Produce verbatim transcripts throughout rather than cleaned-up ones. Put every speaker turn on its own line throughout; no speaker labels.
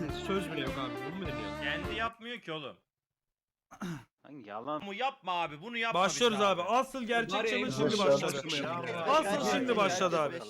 söz bile yok abi. Bunu mu deniyor?
Kendi yapmıyor ki oğlum.
Hangi yalan?
Bunu yapma abi, bunu yapma.
Başlıyoruz
bize
abi. Asıl gerçek
Bari
challenge
en
şimdi
son
başladı.
başlamayalım.
Asıl şimdi başladı abi.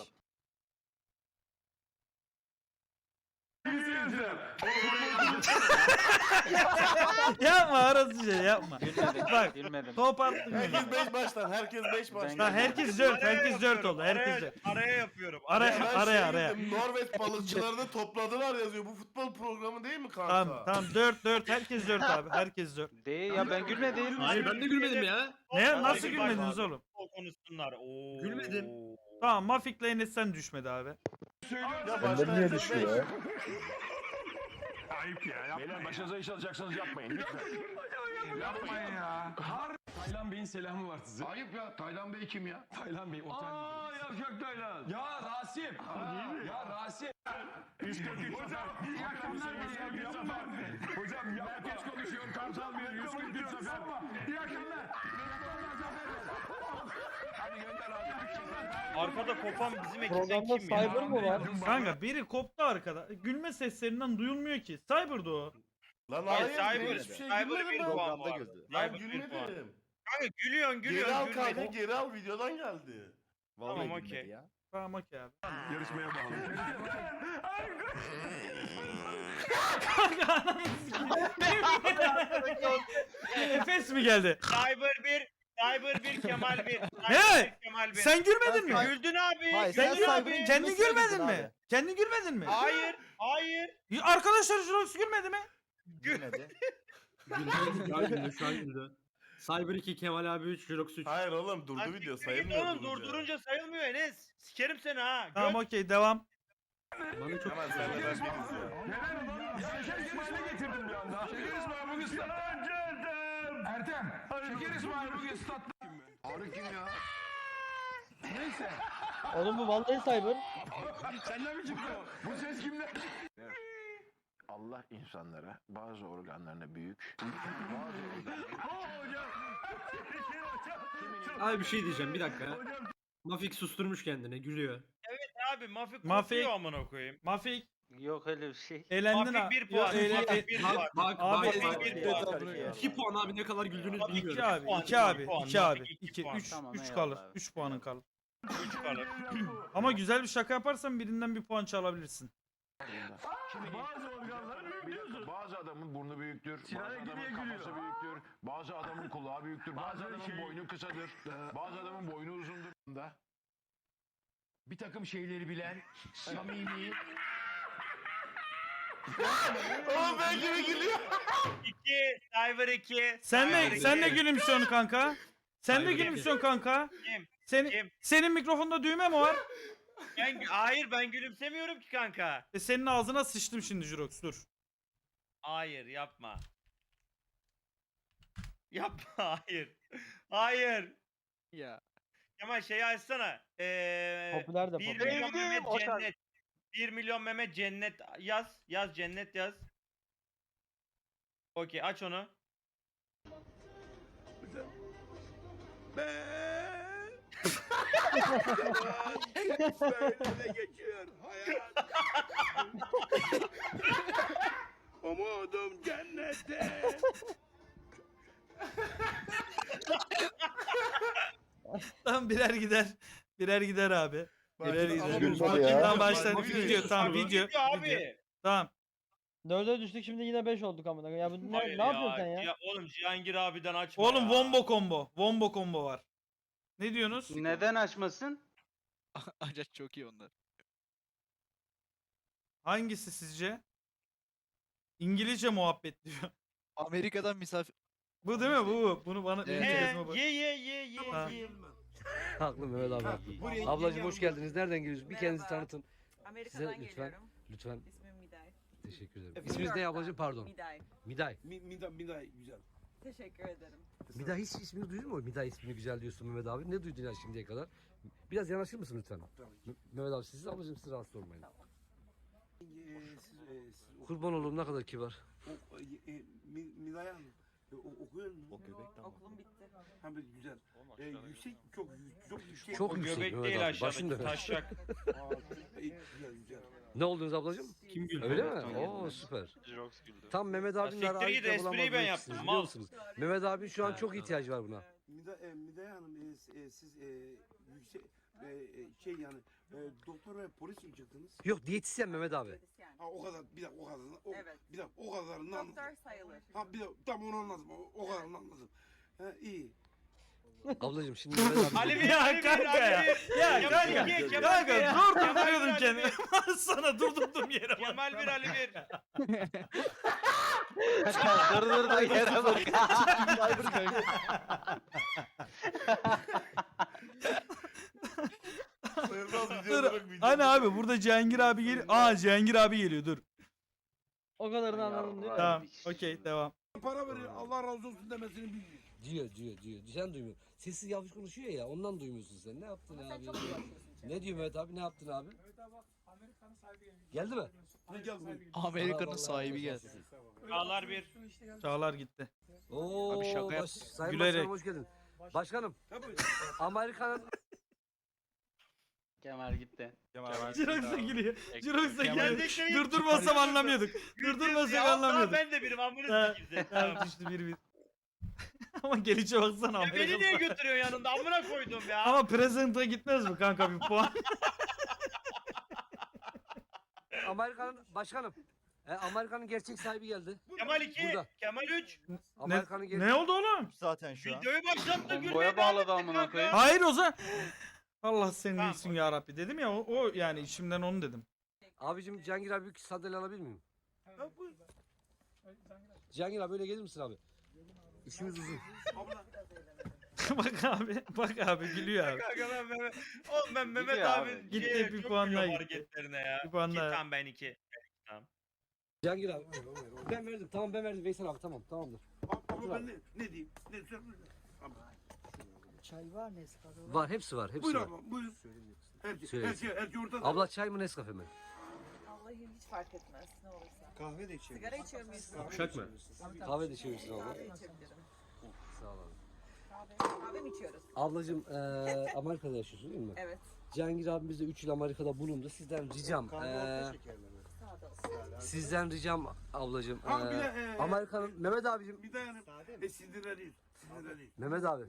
Yapma arası şey yapma.
Gülmedim.
Bak.
Gülmedim.
Top attın.
Herkes beş baştan, herkes beş baştan.
Ha, herkes dört, herkes dört oldu. Herkes
Araya,
dört.
araya yapıyorum.
Araya,
Ben
araya,
şey
araya.
dedim, Norveç balıkçılarını topladılar yazıyor. Bu futbol programı değil mi kanka?
Tamam, tamam dört dört. Herkes dört abi. Herkes dört.
Değil ya ben gülmedim.
Hayır ben de gülmedim ya.
Ne? Nasıl
Hadi
gülmediniz
bak
oğlum?
O konuşsunlar. Oo.
Gülmedim.
Tamam, Mafik'le Enes sen düşmedi abi.
Ya
Benden niye düşüyor ya?
Ayıp ya. Yapmayın. Beyler başınıza iş alacaksanız yapmayın lütfen. Yapmayın ya.
Taylan Bey'in selamı var size.
Ayıp ya. Taylan Bey kim ya?
Taylan Bey otel.
Aa yavşak Taylan.
Ya Rasim. Ya Rasim.
üç kırk üç Hocam iyi akşamlar beyler. Yapma. Hocam ya geç konuşuyor. Kamsal bir yüz kırk üç sefer. İyi akşamlar. Hadi gönder abi.
Arkada kopan bizim ekipten
Programda
kim ya?
Cyber mı var?
Kanka biri koptu arkada. Gülme seslerinden duyulmuyor ki. Cyber'dı o.
Lan
Hayır,
hayır,
Cyber,
ben hiçbir şey
Cyber
gülmedim
bir
ben.
puan var.
Ben
Cyber bir puan.
gülmedim.
Kanka gülüyorsun
Geri
gülüyorsun
al kanka,
gülmedin.
geri al, videodan geldi.
Tamam okey.
Tamam okey abi.
Yarışmaya bağlı.
Efes mi geldi?
Cyber bir, Cyber bir, Kemal bir. Cyber
Ne?
bir, Kemal bir.
Sen gülmedin mi?
Güldün abi.
Hayır,
Sen
sen
güldün
gülmedin
abi.
Cyber'ın
mi? Kendi
gülmesine
gülmedin
güldün
mi?
abi.
Kendi gülmedin mi?
Hayır, hayır.
Arkadaşlar Jurox gülmedi mi?
Gülmedi.
Güldü. Şu an güldü. Şu an güldü. Cyber iki, Kemal abi üç, Jirox üç.
Hayır oğlum, durdu
Lan
video,
siktir git
sayılmıyor.
Oğlum
durunca.
durdurunca sayılmıyor Enes. Sikerim seni ha.
Tamam
Göt.
okey devam.
Bana çok
Hemen sen de ben biriz ya.
Neler ulan? Şeker İsmail'e getirdim bir anda. Şeker İsmail bugün statta. Ertem. Şeker İsmail bugün statta. Arı kim ya? Neyse.
Oğlum bu vallahi Cyber.
Senden mi çıktı o? Bu ses kimden çıktı? Allah insanlara bazı organlarına büyük, bazı organlarına...
Abi bir şey diyeceğim bir dakika. Mafik susturmuş kendini gülüyor.
Abi Mafik
Mafik.
kopuyor amına koyayım.
Mafik
Yok öyle bir şey.
elendin
Mafik
ha.
bir puan.
Yo, ele-
Mafik
e-
bir puan.
Bak bak
Abi,
bak.
Mafik
bak.
bir puan.
İki puan abi ne kadar güldüğünü
Mafik
bilmiyorum.
İki abi,
puan,
iki abi,
iki puan,
iki abi.
Mafik iki
İki,
puan.
üç,
Tamam,
üç
eyvallah
kalır.
abi.
Üç puanın kalır.
Üç kalır.
Ama güzel bir şaka yaparsan birinden bir puan çalabilirsin.
Şimdi bazı organları büyük bazı adamın burnu büyüktür, bazı adamın kafası büyüktür, bazı adamın kulağı büyüktür, bazı adamın boynu kısadır, bazı adamın boynu uzundur. Da bir takım şeyleri bilen, samimi,
Oğlum ben gibi gülüyor.
iki, Cyber iki.
Sen
Cyber
de
iki.
sen de gülümsüyorsun kanka. Sen de
Hayır,
gülümsüyorsun kanka.
Kim?
Senin
Kim?
senin mikrofonda düğme mi var?
Ben, hayır ben gülümsemiyorum ki kanka.
E senin ağzına sıçtım şimdi Jurox dur.
Hayır yapma. Yapma hayır. Hayır.
Ya.
Kemal şeyi açsana. Ee,
Popüler de
bir
popüler.
milyon
Sevdim,
Mehmet
o şarkı.
cennet. bir milyon Mehmet cennet yaz. Yaz cennet yaz. Okey aç onu.
böyle geçiyor hayat. Umudum cennette.
Tamam birer gider. Birer gider abi. Birer
Ama
gider.
bu
Gülmedi
fark
ya.
etmez,
Tamam
fark
başladık
etmez.
video tamam video.
Gidiyor
video.
abi.
Tamam.
Dörde düştük şimdi yine beş olduk amına. Ya bu ne,
Hayır
ne yapıyorsun sen ya?
Oğlum Cihangir abiden açma
Oğlum
ya.
wombo combo. Wombo combo var. Ne diyorsunuz?
Neden açmasın?
Ancak çok iyi onlar.
Hangisi sizce? İngilizce muhabbet diyor.
Amerika'dan misafir...
Bu değil mi bu? Bunu bana
Evet.
benim
He,
çekezime bak.
ye ye ye ye
Ha.
ye.
Haklı Mehmet abi. Ablacığım hoş geldiniz. Nereden geliyorsunuz? Bir kendinizi tanıtın.
Amerika'dan
Size lütfen.
geliyorum.
Lütfen.
İsmim Miday.
Teşekkür ederim. İsminiz ne ablacığım? Pardon.
Miday.
Miday.
Miday, Miday güzel.
Teşekkür ederim.
Miday hiç ismini duydun mu? Miday ismini güzel diyorsun Mehmet abi. Ne duydun ya şimdiye kadar? Biraz yanaşır mısın lütfen? M- Mehmet abi siz ablacığım siz rahatsız olmayın. Kurban olurum ne kadar kibar.
Miday Hanım.
E, o- okuyor musun?
O göbek tamam.
Okulum bitti.
Ha böyle güzel. E, yüksek çok yü- çok yüksek.
Çok
O
yüksek
göbek
Mehmet
değil
abi. Başın
aşağıdaki
dönüyor.
taşak.
Aa, e, güzel güzel.
Ne oldunuz ablacığım?
Kim güldü?
Öyle mi? Oo süper.
Jirox güldü.
Tam Mehmet abinin
siktir
arayıp
git,
da
espriyi
bulamadığı
ben
ikisiniz,
yaptım,
biliyor
mal.
musunuz? Mehmet abi şu an
Ha,
çok
tamam.
ihtiyacı var buna.
Mida, e, Midye Hanım e, s- e, siz e, yüksek e, e, şey yani e, doktor ve polis mi çıktınız?
Yok diyetisyen Mehmet abi.
Diyetisyen.
Ha o kadar bir dakika o kadar. O,
Evet.
Bir dakika o kadarını anladım.
Doktor sayılır.
Ha bir dakika tam onu anladım. O, o kadarını anladım. Ha iyi.
Ablacığım şimdi Mehmet abi.
Ali bir,
Ya
Ali bir,
kanka
Ali
ya.
bir.
Ya
Kemal
kanka.
iki, Kemal
Kanka
bir.
zor
Kemal bir,
tutuyordum
Ali
kendimi.
bir.
Sana durdurdum yere bak.
Kemal bir, Ali bir.
dur dur dur yere bak.
Sayılmaz
Dur.
videoları video.
Hani abi burada Cihangir abi geliyor. Aa Cihangir abi geliyor dur.
O kadarını anladın değil mi?
Tamam okey devam.
Para veriyor Allah razı olsun demesini bilmiyor.
Diyor diyor diyor. Sen duymuyorsun. Sessiz yavaş konuşuyor ya ondan duymuyorsun sen. Ne yaptın
Ama sen
abi?
çok iyi yapıyorsun.
Ne diyor Mehmet abi? Ne yaptın abi? Geldi mi?
Ne gel buyur.
Amerika'nın
Vallahi
sahibi
Allah
geldi.
razı olsun.
Çağlar bir.
Çağlar gitti.
Oo,
Abi şaka yap-
baş, Sayın
Gülerek.
Başkanım hoş geldin. Başkanım
Ha buyur.
Amerika'nın
Kemal gitti.
Jirox'a gülüyor. Jirox'a
Kemal
gülüyor.
Bey-
Durdurmasam anlamıyorduk. Durdurmasak
Ya,
anlamıyorduk.
Ben de birim amını
Ha,
sikeyim seni.
Tamam
Tamam.
düştü bir bir. Ama gelişe baksana
Ya beni niye
Amerika'da.
götürüyor yanında amına koydum ya.
Ama present'a gitmez mi kanka bir puan?
Amerika'nın başkanım. E, Amerika'nın gerçek sahibi geldi.
Kemal iki,
Burada.
Kemal üç.
Amerika'nın gerçek
Ne oldu oğlum?
Zaten şu an.
Videoyu başlattı
Bomboya
gülmeye
bağladı
devam ettin
amına
kanka.
koyayım.
Hayır o zaman. Allah senin
Tamam.
iyisin ya Rabbi dedim ya o, o yani içimden onu dedim.
Abicim Cihangir abi bir sandalye alabilir miyim?
Ha buyur.
Cihangir abi öyle gelir misin abi? İşimiz uzun.
Abla.
Bak abi bak abi gülüyor abi.
Kanka ben Mehmet, oğlum ben Mehmet
Gidiyor
abi,
abi.
Gitti,
şeye
bir
çok
puan daha
gülüyorum
gitti.
hareketlerine ya.
Bir puan
İki,
daha.
tamam ben iki.
Cihangir abi. Ben verdim. Tamam ben verdim. Veysel abi tamam tamamdır.
Abla ben ne, ne diyeyim? Ne söyle. Abla.
Var hepsi var. Hepsi
Buyur
var.
abla buyur. Her şey,
Söyle.
her şey, her şey ortada.
Abla çay mı Nescafe mi?
Vallahi hiç fark etmez ne olursa.
Kahve de içelim.
Sigara içiyor muyuz?
Uşak mı?
Kahve de içiyorsun abla.
Kahve içebilirim.
Sağ ol abi.
Kahve, kahve mi içiyoruz?
Ablacığım eee Amerika'da yaşıyorsun değil mi?
Evet.
Cihangir abimiz de üç yıl Amerika'da bulundu. Sizden ricam.
Kahve
eee,
orta şekerli mi?
Sağda olsun.
sizden ricam ablacığım.
Ha bir
eee,
de e,
Amerika'nın Mehmet abicim.
bir de yani e, sinirleniyoruz. Sinirleniyoruz.
Mehmet abi.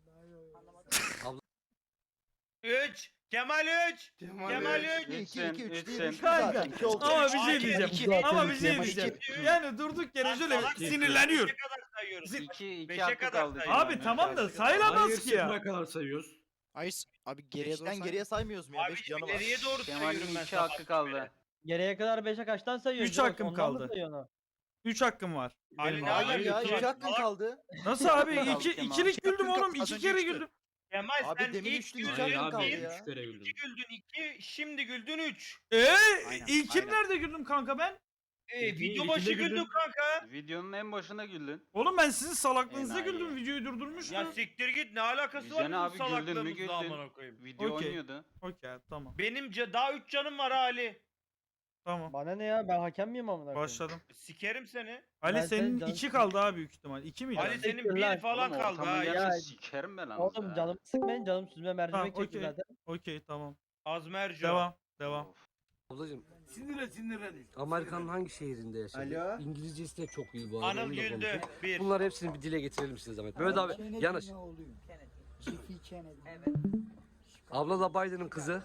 üç. Kemal üç. Kemal üç.
Üçsün, üçsün.
Kanka ama bir şey
İki,
diyeceğim.
iki,
Ama
iki,
bir şey
iki,
diyeceğim.
iki.
Yani durduk yere şöyle
Salak mısın?
sinirleniyor.
Beşe kadar sayıyoruz.
İki, iki
Beşe
hakkı
kadar
kaldı.
sayıyoruz.
Abi tamam da sayılamaz ki ya.
Sıfıra kadar sayıyoruz.
Hayır abi geriye doğru
Beşten geriye saymıyoruz mu ya?
Abi
Beş
şimdi
canı var.
ileriye doğru
Kemal'in
sayıyorum ben
iki
sabah
hakkı kaldı.
Geriye kadar beşe kaçtan sayıyorsun?
Üç
Jirox?
hakkım
Ondan mı
kaldı.
sayıyorsun onu?
üç hakkım var.
Ali
Benim
ne
abi.
Hayır ya
Abi,
iki hakkın
salak.
kaldı.
Nasıl abi?
Kaldı
İki,
Kemal.
ikilik güldüm oğlum.
Az
İki
önce
kere
üçtü.
güldüm.
Kemal
Abi
sen
demin
ilk
üçtü,
güldün
üç
Hayır
hakkın
abi
bir,
kaldı ya.
üç kere güldüm.
iki güldün iki, şimdi güldün üç.
Eee
Aynen,
ilkim
aynen.
nerede güldüm kanka ben?
E,
İki,
video
ikide
başı
güldün.
güldün kanka.
Videonun en başına güldün.
Oğlum ben sizin salaklığınıza
Enayi.
güldüm. Videoyu durdurmuştum.
Ya siktir git ne alakası var
Güzel
bizim
abi, güldün mü
salaklığımızla
güldün.
amına koyayım.
Video
Okey.
oynuyordu.
Okey tamam.
Benim ca- daha üç canım var Ali.
Tamam.
Bana ne ya ben hakem miyim amına koyayım?
Başladım.
Sikerim seni.
Ali
Ben
senin
senin canın-
iki kaldı abi büyük ihtimal. İki miydi?
Ali
Ali
senin
Siktir lan.
bir falan
Oğlum
kaldı
ortamı
ha.
gerçi
ya.
sikerim ben
Oğlum
ya.
canım sıkmayın canım süzme mercimek
Tamam,
çekti
okey.
zaten.
Okey tamam.
Azmerco.
Devam. Devam.
Of.
Ablacığım
Sinirlen sinirleniyoruz.
Amerika'nın hangi şehrinde yaşadın?
Alo?
İngilizcesi de çok iyi bu arada.
Anıl
onu da
güldü.
konuşun.
Bir.
Bunları hepsini bir dile getirelim size zahmet. Mehmet abi yanaş.
Kennedy. Evet.
Abla da Biden'ın kızı.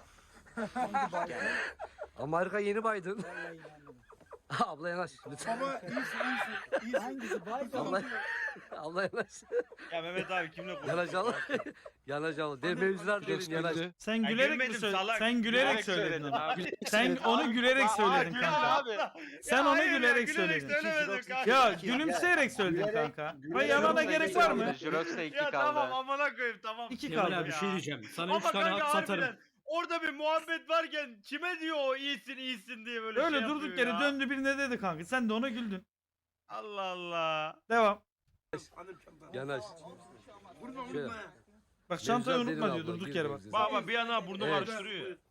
Amerika yeni Biden. Abla yanaş lütfen.
Ama iyisin iyisin. İyisin.
Abla, abla yanaş.
Ya Mehmet abi kimle konuşuyorsun?
Yanaş abla. Yanaş abla. De mevzular derin yanaş.
Sen
Ya
gülerek mi
gülmedim,
söyledin?
salak.
Sen gülerek
Gülerek
söyledin.
söyledin
onu.
abi.
Sen onu gülerek söyledin kanka.
Abi.
Sen onu
hayır ya,
gülerek söyledin.
söylemedim kanka.
Ya gülümseyerek söyledin kanka. Ay yalana gerek var mı?
Jirox'ta iki
Ya
kaldı.
tamam amına koyayım tamam.
İki
Kemal
kaldı.
abi bir
ya.
şey diyeceğim. Sana üç
Ama
tane
kanka
hak satarım.
harbiden orada bir muhabbet varken kime diyor o iyisin iyisin diye böyle
Öyle
şey
durduk
yapıyor
yere
ya.
döndü birine dedi kanka. Sen de ona güldün.
Allah Allah.
Devam.
Hanım çanta.
Yanaş.
Vurma
Şöyle.
vurma.
Bak çantayı
Mevzular derin
unutma diyor
abla,
durduk
girme
yere bak.
bize.
Baba bir yana burnu
Evet.
karıştırıyor.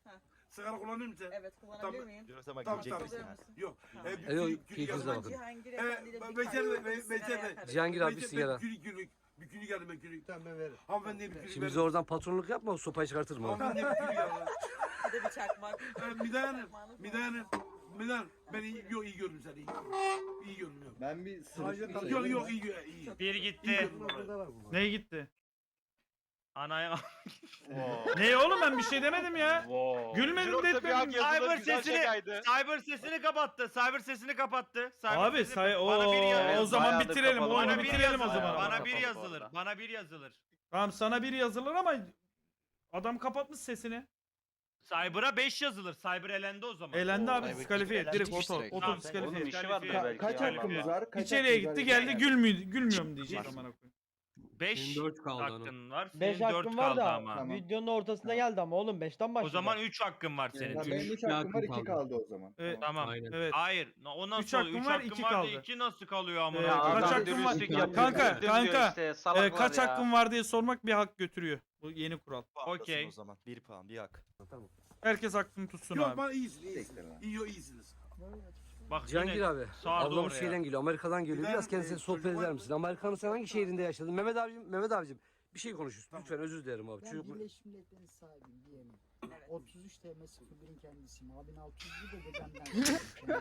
Sigara kullanıyor musun sen?
Evet kullanabilir miyim?
Tamam tamam.
Alır mısın?
Yok.
Tamam.
E,
E, yok,
gülük- gülük
keyfinize
yazdım.
bakın.
Cihangir
E,
Efendi'yle bir
Becer
kalp
Bey,
sigara
Becer Bey.
yakarım.
Cihangir abi bir
Becer-
sigara.
Gülük gülük. Bir gülük geldim ben gülük. Tamam ben veririm. Hanımefendiye bir gülük
Şimdi bize
verin.
oradan patronluk yapma, sopayı çıkartırım abi.
Hanımefendiye bir gülük geldim.
Bir de bir çakmak.
E, Miday Hanım. Miday Hanım. Miday Hanım. Ben iyi, yok iyi gördüm seni. iyi. İyi gördüm yok.
Ben bir
Yok yok iyi gö- iyi.
Bir
İyi
gitti.
gördüm vallahi.
Neye gitti?
Anaya.
Ne oğlum ben bir şey demedim ya. Gülmedim de etmedim.
Cyber sesini Cyber sesini kapattı. Cyber sesini kapattı. Cyber
Abi
sesini-
say o,
bana bir yazılır.
o zaman
Bayağıdır
bitirelim.
kapalı.
O
Bana
oyunu
bir
bitirelim o
yazılır.
zaman.
Bana
Kapalı
bir
bu
yazılır.
arada.
Bana bir yazılır.
Tamam sana bir yazılır ama adam kapatmış sesini.
Cyber'a beş yazılır. Cyber elendi o zaman.
Eğlendi abi
Cyber
diskalifiye.
gitti,
Direkt
gitti
oto,
direkt.
oto
Tamam,
diskalifiye.
Onun işi vardı
Ka-
belki.
kaç
ya.
hakkımız
var?
İçeriye gitti geldi gülmüyor, gülmüyorum diyecek amına koyayım.
beş
Senin dört kaldı onun.
hakkın var.
beş
Senin dört
hakkım var
kaldı
da
ama.
videonun ortasında geldi ama oğlum beşten başladı.
O zaman üç hakkın var senin.
Ya benim üç hakkım var, iki kaldı
o zaman.
Evet.
Tamam.
Aynen.
Evet.
Hayır. O nasıl
Üç
oluyor?
hakkım
Üç
var,
hakkın
iki
var da
kaldı.
iki nasıl kalıyor amına?
Ee,
koyayım?
kaç
adam
hakkın var?
dürüstlük yapıyor,
Kanka,
güldüm diyor
kanka.
işte,
Ee,
salaklar
kaç
ya.
hakkın var diye sormak bir hak götürüyor. Bu yeni kural.
Okey.
O zaman bir puan bir hak.
Herkes hakkını tutsun
Yok
abi.
bana iyisin iyisin. İyi yok iyisiniz.
Bak
Cihangir
yine
abi,
sardı
ablamız
oraya.
şeyden geliyor, Amerika'dan geliyor.
Gider
Biraz
mi?
kendisine
Ee,
sohbet
çocuk
eder
var
misin? Amerika'nın sen hangi şehrinde yaşadın? Mehmet abicim, Mehmet abicim bir şey konuşuyorsun.
Tamam.
Lütfen özür dilerim abi. Çocuk...
Birleşmiş Milletler'in sahibiyim diyelim.
Evet.
otuz üç T M sıfır birin kendisiyim. Abin altı yüz bir de dedemden.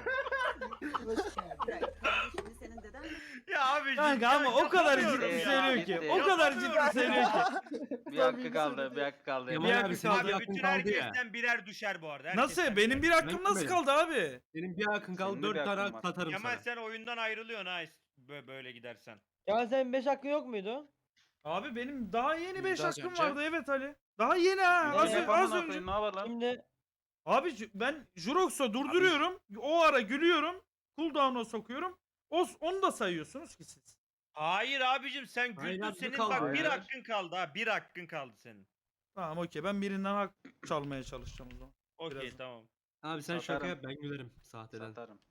Hoş geldin.
Şimdi senin deden mi?
Ya abi
Kanka ama o kadar
yapamıyorum
ciddi
ya.
söylüyor ki.
Gitti.
O kadar ciddi
Yapamıyorum
söylüyor ki.
Bir hakkı kaldı, bir hakkı kaldı.
Kemal
Bir
abi
hakkı
senin
kaldı.
bir
Abi
hakkın
bütün
kaldı ya.
herkesten birer düşer bu arada.
Nasıl?
herkesten
Benim bir
birer.
hakkım nasıl
benim.
kaldı abi?
Senin bir hakkın kaldı.
Senin de
Dört
bir
tane
hakkın
hak
var.
satarım
Kemal
sana.
sen oyundan ayrılıyorsun ha bö- böyle gidersen.
Kemal senin beş hakkın yok muydu?
Abi benim daha yeni beş
Biraz
hakkım
önce.
vardı evet Ali. Daha yeni ha.
Ne
Az,
Ne
az
yapalım,
önce.
Ne yapalım?
Şimdi
Abi ju- ben Jurox'a durduruyorum. O ara gülüyorum. Cooldown'a sokuyorum. O, onu da sayıyorsunuz ki siz.
Hayır abicim sen
Hayır,
güldün
hakkı
senin
kaldı.
bak bir
Hayır.
hakkın kaldı ha bir hakkın kaldı senin.
Tamam okey ben birinden hak çalmaya çalışacağım o zaman.
Okey
Biraz-
tamam.
Abi sen
Satarım.
şaka yap ben gülerim sahteden.
Satarım.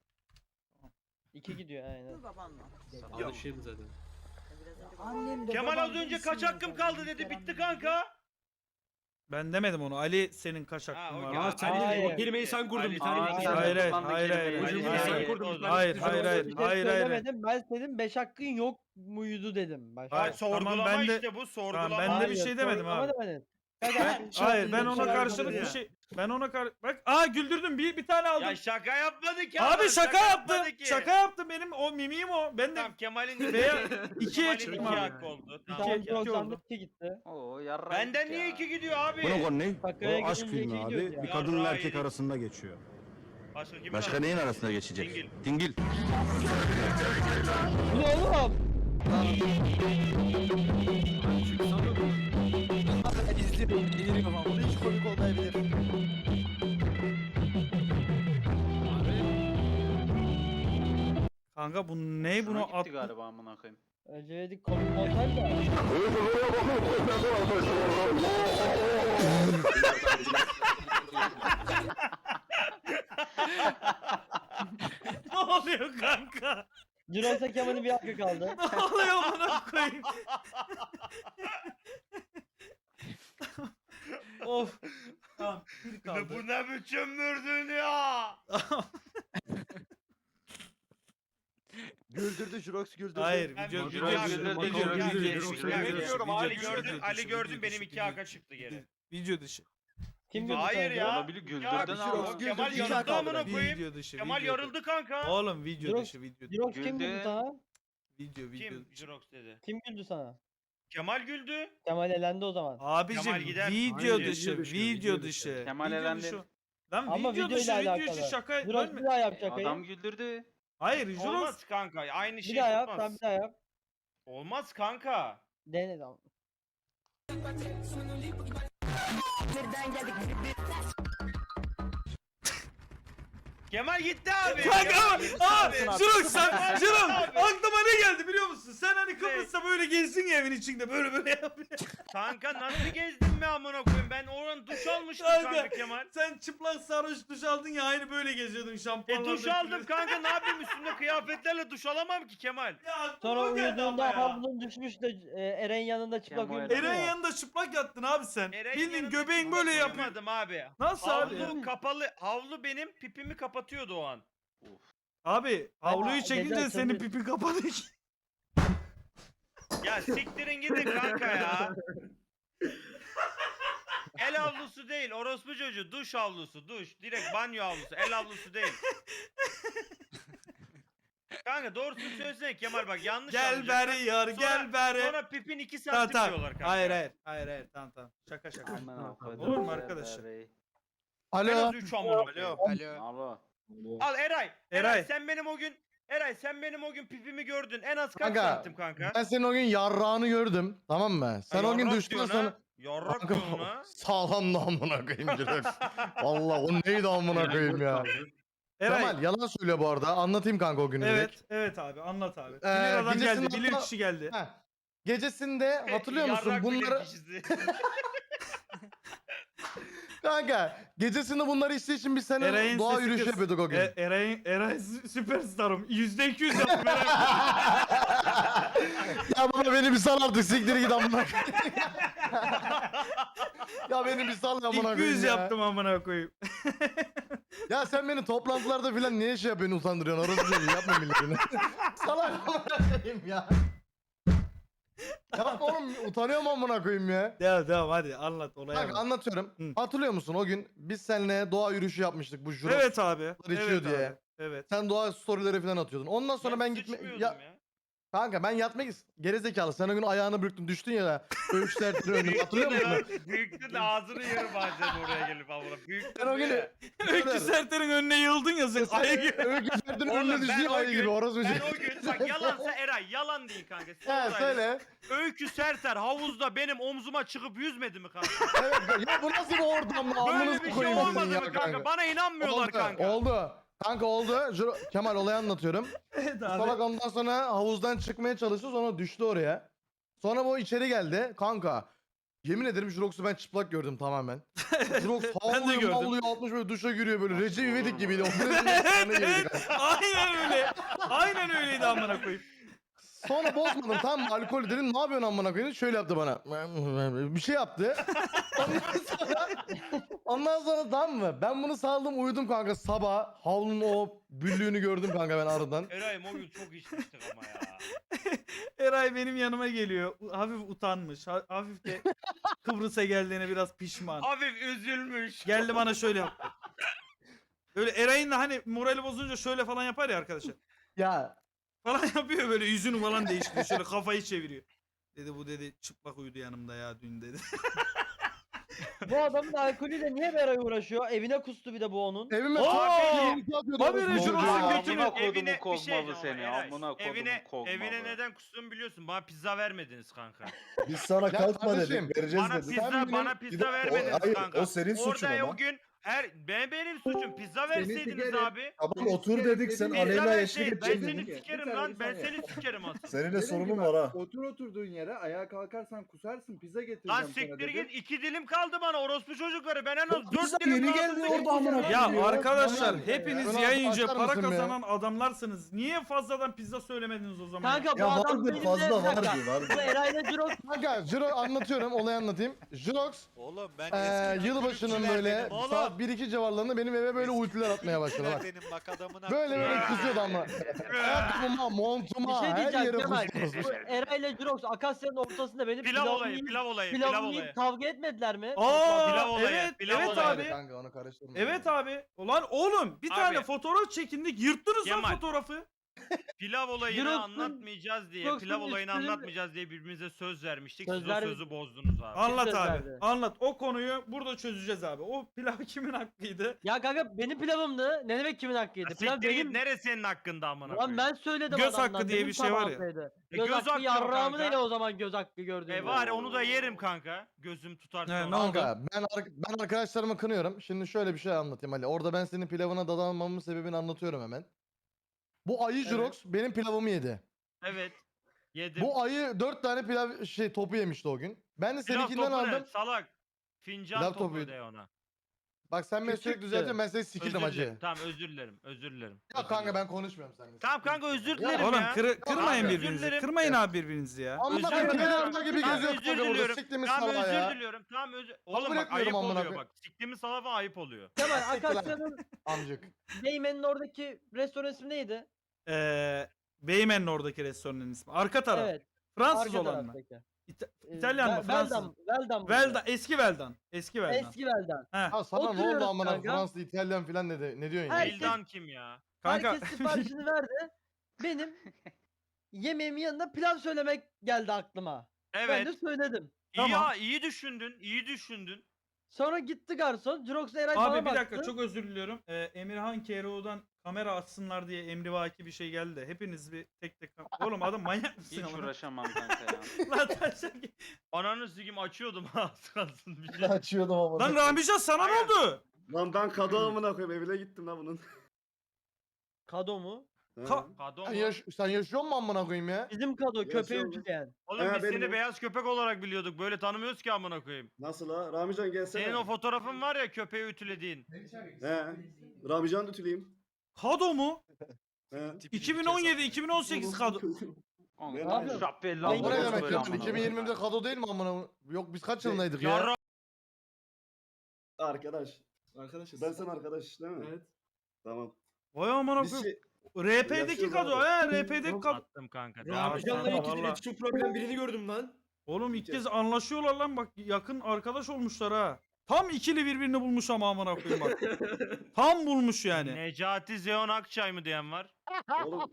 iki gidiyor aynen.
Bu baban mı?
Alışığım zaten.
Biraz önce
Annem de
Kemal
babam
az
da
önce kaç
isim
hakkım
yazar.
kaldı dedi
Kerem
bitti
dedi.
kanka.
Ben demedim onu. Ali senin kaç
Ha,
hakkın
okey.
var?
Ya sen
Hayır.
de o kelimeyi sen kurdun bir tane.
Aa,
bir
sen
tane.
Hayır, hayır,
kullandın
hayır,
kelimeleri.
hayır,
Hayır,
hayır.
hayır.
Kurdum.
Hayır
Ben
hayır hayır.
bir şey
Hayır hayır.
söylemedim. Ben dedim beş hakkın yok muydu dedim. Başka.
Hayır,
Sorgulama
tamam, ben de-
işte bu sorgulama.
Tamam, ben de bir şey demedim
sorgulama
abi.
demedin. Kanka,
Hayır ben ona
Şaka
karşılık
yapmadın
bir
ya.
şey. Ben ona kar bak aa güldürdüm bir bir tane aldım.
Ya şaka yapmadık ya.
Abi
adam,
şaka yaptım.
yapmadı ki.
Şaka yaptım benim o mimiğim o. Ben de
Tamam Kemal'in
veya ikiye
Kemal'in
çıktım
iki
abi.
hakkı oldu. Tamam.
Tamam,
iki
doksan
oldu.
iki gitti.
Oo yarrak
Benden
ya.
niye iki gidiyor abi?
konu ne?
Şakaya gidince iki gidiyor ya.
Bir kadınla erkek
arasında geçiyor.
Başka kimin
Başka
arasında?
neyin arasında geçecek?
Dingil.
Dingil.
Bu ne oğlum?
Hiç komik olmayabilir.
Kanka bu ne
Şuna
bunu
gitti
attı.
galiba amına koyayım.
Önce dedik komik montaj da.
Ne oluyor kanka?
Jirox'a Kemal'in bir hakkı kaldı.
Ne oluyor buna koyayım? Of. Tamam bir kaldı.
Bu ne biçim mürdün ya?
Güldürdü Jurox güldürdü.
Hayır
Ben
video
bir
video
hakkı-
dışı.
güldürdü,
Video
güldürdü,
dışı.
güldürdü,
Video
güldürdü.
dışı,
Biliyorum
video
Ali
dışı,
gördün
video
Ali
dışı,
gördün
video
benim
dışı,
iki
video
haka
dışı,
çıktı geri.
Video dışı.
Kim
Video-
güldü
Hayır
sence?
ya.
Olabilir, güldürdün
Ya,
ama.
Kemal
güldürdü, iki
yarıldı
hak aldı.
amına koyayım.
Video dışı.
Kemal
video
yarıldı kanka.
Oğlum video
Jirox-
dışı video.
Jirox kim
Güldü.
güldü sana?
Video video.
Kim?
dışı.
Jirox dedi.
Kim güldü sana?
Kemal güldü.
Kemal elendi o zaman.
Abicim
Kemal gider.
video
Hayır,
dışı,
video dışı,
video
video
dışı.
dışı.
Kemal
Video
elendi.
dışı. Lan
Ama
video
video
dışı,
ile
video
alakalı.
dışı şaka.
Jirox
Ben
bir
mi?
daha yap şakayı.
Adam güldürdü.
Hayır, Jurox.
Olmaz kanka. Aynı
Bir
şey
daha yap, sen
tutmaz.
bir daha yap.
Olmaz kanka.
Dene tamam.
Kemal gitti abi.
Kanka
Kemal gitti
aa
abi.
Jirok sen Jirok
Abi.
aklıma ne geldi biliyor musun? Sen hani Kıbrıs'ta böyle gezsin ya evin içinde böyle böyle yapıyor.
Kanka nasıl gezdin be amına koyayım? Ben oradan duş almıştım
Kanka,
kanka Kemal.
Sen çıplak sarhoş duş aldın ya aynı böyle geziyordun
E
şampuanlarda.
duş aldım kanka ne yapayım üstümde kıyafetlerle duş alamam ki Kemal.
Ya aklıma
Sonra
o geldi ama
uyuduğunda
ya.
havlunun düşmüş de e, Eren yanında çıplak
Kemal.
uyudu.
Eren yanında çıplak yattın abi sen.
Eren
Bildiğin
yanında
göbeğin
çıplak
böyle yapıyor.
uyumadım abi.
Nasıl abi?
Havlu kapalı. Havlu benim pipimi kapatıyordu o an.
Abi havluyu
Ama
çekince
gece
senin
açıldı.
pipin kapadı ki.
Ya siktirin gidin kanka ya. El havlusu değil orospu çocuğu duş havlusu duş direkt banyo havlusu el havlusu değil. Kanka doğrusunu söylesene Kemal bak yanlış
Gel
anlayacaklar.
beri yar
Sonra-
gel beri.
Sonra pipin iki
Tamam
santim
tamam.
diyorlar kanka.
Hayır hayır. Hayır hayır tamam tamam. Şaka şaka.
Amına koydum.
Olur mu arkadaşlar?
En
Alo.
az üç amına koyayım.
Alo.
Al Eray. Eray.
Eray.
sen benim o gün Eray sen benim o gün pipimi gördün. En az kaç
Kanka,
santim kanka?
Ben senin o gün yarrağını gördüm. Tamam mı? Sen o gün
Yarrak
düştükten
diyorsun
sonra...
ha? Yarrak
Kanka,
diyorsun ha?
sağlam da amına koyayım Jirox. Valla o neydi amına koyayım ya.
Eray.
Kemal yalan söylüyor bu arada. Anlatayım kanka o günü
Evet,
direkt.
evet abi anlat abi.
Ee,
bilir adam geldi,
gecesinde
bilir
hatta-
kişi geldi.
Heh. Gecesinde hatırlıyor musun
Yarrak bilir
bunları?
kişisi.
Kanka gecesinde bunları içtiği için biz seninle
Eray'ın
doğa
sesi
yürüyüşü
kız.
yapıyorduk o gün.
E, Eray, Eray sü- süperstarım. Yüzde iki yüz yaptım Eray.
Ya baba beni bir sal artık siktir git amına koyayım. Ya beni bir sal amına koyayım
iki yüz
ya.
yaptım amına koyayım.
Ya sen beni toplantılarda filan niye şey yapıyorsun utandırıyorsun orası değil yapma milletini. Salak amına koyayım ya. Yapma oğlum utanıyorum amına koyayım ya.
Devam devam hadi anlat olaya
Bak
bak.
anlatıyorum.
Hı.
Hatırlıyor musun o gün biz seninle doğa yürüyüşü yapmıştık bu Jirox.
Evet abi.
içiyor
Evet
diye.
abi. Evet.
Sen doğa storyleri falan atıyordun. Ondan sonra ben, gitme
sıçmıyordum
ya, kanka ben yatmak is- gerizekalı. Sen o gün ayağını bürktün düştün ya. Öğüşler önüm hatırlıyor musun?
Büyüktü de ağzını yarım bazen oraya gelip amına. Büyüktü
Ben o gün
de.
Öykü Serter'in önüne yıldın ya sen. Ayı gibi.
Öğüşler'in
Oğlum,
önüne
ben
düştüğün
o
ayı
gün-
gibi orası
Ben
bir
o gün bak yalansa Eray yalan değil kanka.
He
Sonra
söyle.
Öykü Serter havuzda benim omzuma çıkıp yüzmedi mi kanka?
Evet ya bu nasıl bir ortam lan?
Böyle
Amınızı
bir şey
koyayım sizin
olmadı
ya
mı kanka? Bana inanmıyorlar
Oldu,
kanka.
oldu. Kanka oldu. Jiro- Kemal olayı anlatıyorum.
Evet
Salak
abi.
ondan sonra havuzdan çıkmaya çalıştı sonra düştü oraya. Sonra bu içeri geldi. Kanka yemin ederim Jirox'u ben çıplak gördüm tamamen. Jirox
Ben de
havluyor
gördüm.
havluyor altmış böyle duşa giriyor böyle. Recep İvedik gibiydi. O
Evet evet. Aynen öyle. Aynen öyleydi amına koyayım.
Sonra bozmadım tamam mı? Alkol dedim ne yapıyorsun amına koyayım? Şöyle yaptı bana. Bir şey yaptı. Ondan sonra, ondan sonra tamam mı? Ben bunu saldım uyudum kanka sabah. Havlunun o büllüğünü gördüm kanka ben aradan.
Eray'ım o gün çok içmiştik ama ya.
Eray benim yanıma geliyor. U- Hafif utanmış. ha- Hafif de Kıbrıs'a geldiğine biraz pişman.
Hafif üzülmüş.
Geldi bana şöyle yaptı. Böyle Eray'ın da hani morali bozunca şöyle falan yapar ya arkadaşlar.
Ya
Falan yapıyor böyle yüzünü falan değiştiriyor. Şöyle kafayı çeviriyor. Dedi bu dedi çıplak uyudu yanımda ya dün dedi.
Bu adamın alkolüyle niye Beray uğraşıyor? Evine kustu bir de bu onun.
evime
Oo!
çok atıyordu.
Haberi
orası
Jirox'un
bozuldu ya.
götünü-
Amına kodumun
Evine bir şey
kozmalı
ama
seni.
Eray,
Amına kodumun
evine,
kozmalı.
evine neden kustuğumu biliyorsun. Bana pizza vermediniz kanka.
Biz sana
Ya
kalkma
kardeşim,
dedik, vereceğiz
Bana
dedik.
pizza
benim-
bana pizza
O-
vermediniz
hayır,
kanka.
o senin suçun
Orada
ama.
o gün her ben benim suçum. Pizza verseydiniz abi.
Tamam otur dedik sen
Pizza
Aleyna eşlik
verseydin. Ben
edeceksin.
seni sikerim lan. Ben seni sikerim aslında.
Seninle sorunun var ha.
Otur oturduğun yere ayağa kalkarsan kusarsın pizza getireceğim
Lan siktir git. iki dilim kaldı bana orospu çocukları. Ben en az
O
dört
pizza
dilim
yeni
kaldı.
geldi
senin
orada amına
pizza-
Ya
Ya,
arkadaşlar
ya.
hepiniz
Şunu
yayınca
açar
para
mısın be?
kazanan adamlarsınız. Niye fazladan pizza söylemediniz o zaman?
Kanka bu
Ya
adam
vardır
benim
fazla
de bir dakika.
vardır vardır.
Bu Eray'la Jirox
Kanka Jiro anlatıyorum olayı anlatayım. Jirox
Oğlum ben
eee yılbaşının böyle saat bir iki civarlarında benim eve böyle ultiler atmaya başladı bak.
benim bak adamına.
Böyle böyle kızıyordu ama. Ayakkabıma,
bir
montuma,
şey
her
diyeceğim
yere
Kemal.
kusturmuş.
Bu Eray'la Jirox Akasya'nın ortasında benim
Pilav
pilavımı
olayı,
yiyip-
pilav olayı, pilav
pilavımı
olayı.
yiyip kavga etmediler mi?
Aa
Pilav olayı,
evet
pilav
evet
olayı.
abi.
Kanka onu karıştırma.
Evet abi. Ulan oğlum bir
Abi.
tane fotoğraf çekindik yırttınız lan
Kemal.
fotoğrafı.
pilav olayını
Jirox'un-
anlatmayacağız diye,
Jirox'un
pilav olayını
üstünü-
anlatmayacağız diye birbirimize söz vermiştik.
Söz
Siz o
ver-
sözü bozdunuz abi.
Anlat
söz
abi.
verdi.
Anlat. O konuyu burada çözeceğiz abi. O pilav kimin hakkıydı?
Ya kanka benim pilavımdı. Ne demek kimin hakkıydı?
Ya
Pilav
siktir git,
benim.
neresi senin hakkında amına
Lan
koyayım?
ben söyledim
Göz
adamdan,
hakkı diye
benim
bir şey var ya.
tabağımdaydı.
E,
Göz,
göz
hakkı
hakkı yok
yarrağımı
kanka.
değil o zaman göz hakkı gördüğüm.
E var ya onu da yerim kanka. Gözüm tutar
He,
sonra.
ne oldu?
Kanka ben, ar- ben arkadaşlarımı kınıyorum. Şimdi şöyle bir şey anlatayım Ali. Orada ben senin pilavına dadanmamın sebebini anlatıyorum hemen. Bu ayı
Evet.
Jurox benim pilavımı yedi.
Evet. Yedim.
Bu ayı dört tane pilav şey topu yemişti o gün. Ben de
Pilav
seninkinden
topu ne?
aldım.
Salak. Fincan
Pilav
topu
topuydu.
de ona.
Bak sen beni sürekli
Küçüktü.
düzeltiyorsun, ben seni sikirdim
Özür
acı.
dilerim. Tamam özür dilerim. Özür dilerim.
Ya
özür
kanka
dilerim.
ben konuşmuyorum seninle.
Tamam kanka özür
Ya
dilerim
Oğlum
ya.
kırı- kırmayın
Abi, özür
birbirinizi.
dilerim.
Kırmayın abi birbirinizi ya.
Amına
Özür
koyayım
dilerim.
pilavda gibi
Tamam,
geziyor
özür
kanka burada.
diliyorum.
Siktiğimiz
Tamam
salağa
özür
ya.
diliyorum. Tamam özür. Oğlum
Kabul
bak
etmiyorum
ayıp
amına
oluyor
koyayım.
bak. Siktiğimiz salafa ayıp oluyor.
Kemal
Siktir lan.
arkadaşların
Amcık.
Beymen'in oradaki restoran ismi neydi?
Ee, Beymen'in oradaki restoranın ismi. Arka taraf.
Evet.
Fransız
arka
olan mı?
taraftaki.
İta-
Ee,
İtalyan mı?
Vel-
Fransız
Veldan.
mı?
Veldan. mıydı?
Veldan. Eski Veldan. Eski Veldan.
Eski Veldan.
Heh.
Ya sana ne
Oturuyoruz
oldu amına
kanka.
Fransız, İtalyan falan ne, de, ne diyorsun ya?
Herkes-
Bildan kim ya?
Kanka
Herkes siparişini verdi. Benim yemeğimin yanında pilav söylemek geldi aklıma. Ben
Evet.
de söyledim.
İyi
Tamam.
ya iyi düşündün. İyi düşündün.
Sonra gitti garson. Jirox Eray bana
abi bir
baktı.
dakika çok özür diliyorum. Ee, Emirhan Keroğlu'dan kamera açsınlar diye emrivaki bir şey geldi. Hepiniz bir tek tek Oğlum adam manyak mısın
Hiç
ama?
uğraşamam kanka ya.
Lan taşak-
Ananı sikim açıyordum ha az kalsın bir şey.
Açıyordum ama.
Lan Ramican sana ne oldu?
Lan ben kadı amına koyayım evine gittim lan bunun.
Kado mu?
Ka-
Kado
Sen,
mu?
yaş sen yaşıyor musun amına koyayım ya?
Bizim kado köpeği
Yaşıyorum.
ütüleyen.
Oğlum
He,
biz
benim
seni
o.
beyaz köpek olarak biliyorduk. Böyle tanımıyoruz ki amına koyayım.
Nasıl ha? Ramican gelsene.
Senin o fotoğrafın var ya köpeği ütülediğin.
He. Ramican da ütüleyeyim.
Kado mu?
He.
iki bin on yedi iki bin on sekiz kado.
Kanka,
Ne
yapıyorsun?
şapelli
Ben
Lan bu ne
amına
demek
böyle
ya?
amına
iki bin yirmide kado değil mi amına? Yok biz kaç yılındaydık ya?
Yarra
Arkadaş. Arkadaşız. Ben sen arkadaş değil mi? Evet. Tamam.
Vay amına
Biz
koyayım.
şey,
R P'deki
Yaşıyoruz
kado
abi.
he R P'deki kado.
attım kanka.
Ramican'la
Devam et.
iki-
iletişim problem birini gördüm lan.
Oğlum ilk kez anlaşıyorlar lan bak yakın arkadaş olmuşlar ha. Tam ikili birbirini bulmuş ama amına koyayım bak. Tam bulmuş yani.
Necati Zeon Akçay mı diyen var?
oğlum.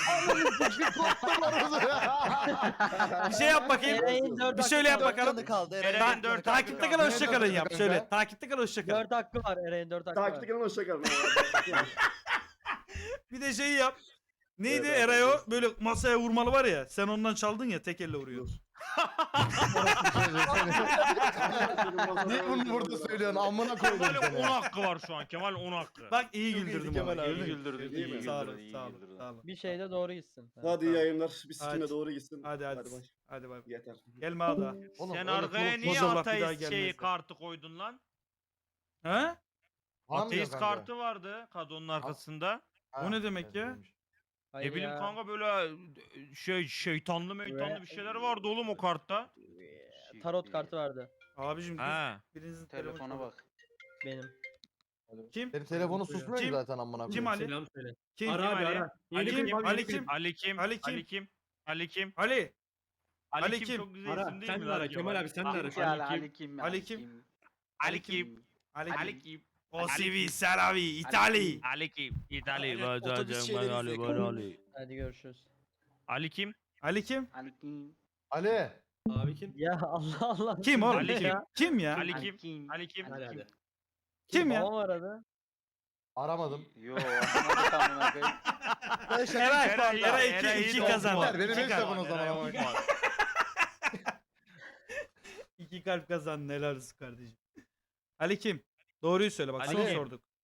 Bir şey yap bakayım.
Eray'in dört
Bir şöyle yap
hakkı var.
bakalım.
Eray'in dört
Takipte kalın hoşça kalın yap.
Kanka.
Şöyle takipte kalın hoşça kalın.
Dört hakkı var Eray'in dört hakkı var.
Takipte kalın hoşça kalın.
Bir de şeyi yap. Neydi
Evet,
Erayo
evet.
böyle masaya vurmalı var ya. Sen ondan çaldın ya tek elle vuruyor.
Niye bunu burada söylüyorsun amına koydum
Kemal'in on
seni.
hakkı var şu an. Kemal on hakkı.
Bak iyi
Çok
güldürdüm
iyiydi Kemal
ama.
abi.
gördün mü?
Güldürdün,
iyi
iyi
Sağ
güldürdün,
olun,
iyi
sağ olun,
güldürdün.
sağ olun.
Bir şeyde doğru gitsin.
Hadi iyi yayınlar. Biz
Hadi.
sikime doğru gitsin.
Hadi hadi.
Hadi bay.
Hadi bay.
Yeter.
Gelme ada.
Oğlum,
Sen
öyle
arkaya
konuşma.
niye
Bozullah, bir daha
ateist şeyi
gelmezler.
kartı koydun lan?
He?
Anlamıyor
Ateist
kanka.
kartı vardı kadının arkasında.
Ha,
O ne demek
evet,
ya?
neymiş.
Hayır
Ne bileyim
ya.
kanka böyle şey şeytanlı meytanlı bir şeyler vardı oğlum o kartta.
Tarot kartı vardı
Abicim
Ha.
birinizin
Telefona
telefonu
bak.
benim.
Kim?
Benim telefonu susmuyor ki
Kim?
zaten amına koyayım.
Kim Ali?
Selam söyle.
Kim?
Ara abi
Ali?
ara.
Ali
Yeni
kim?
klip abi,
Ali
yeni
kim?
klip.
Ali kim?
Ali kim?
Ali kim? Ali kim?
Ali.
Ali
Ali
kim?
kim?
Çok güzel
Ara,
isim değil
sen
mi
de
lan
ara, Kemal abi, sen de ara.
Kim
Ali
Ali
kim?
Ali kim?
Ali kim?
Ali kim?
Ali.
Ali kim?
O C V Saravi İtali.
Ali kim? İtalya.
Aynen, otobüs şeyleri
Ali
izliyor.
Ali.
Hadi görüşürüz.
Ali kim?
Ali kim?
Ali kim?
Ali.
Abi kim?
Ya Allah Allah.
Kim oğlum?
Ali
Kim? Kim ya?
Ali
Ali
kim? Ali kim?
Hadi hadi.
Kim ya?
Babam aradı.
Aramadım.
Yo, anlamadık amına koyayım.
Eray.
Eray,
Eray
Eray
iki
iyi
kazandı.
toplar.
Benim
İki
en
kazandı,
savun o zaman
Eray
ama.
on puan.
İki kalp kazandın helal olsun kardeşim. Ali kim? Doğruyu söyle bak
Ali
soru
kim?
sorduk.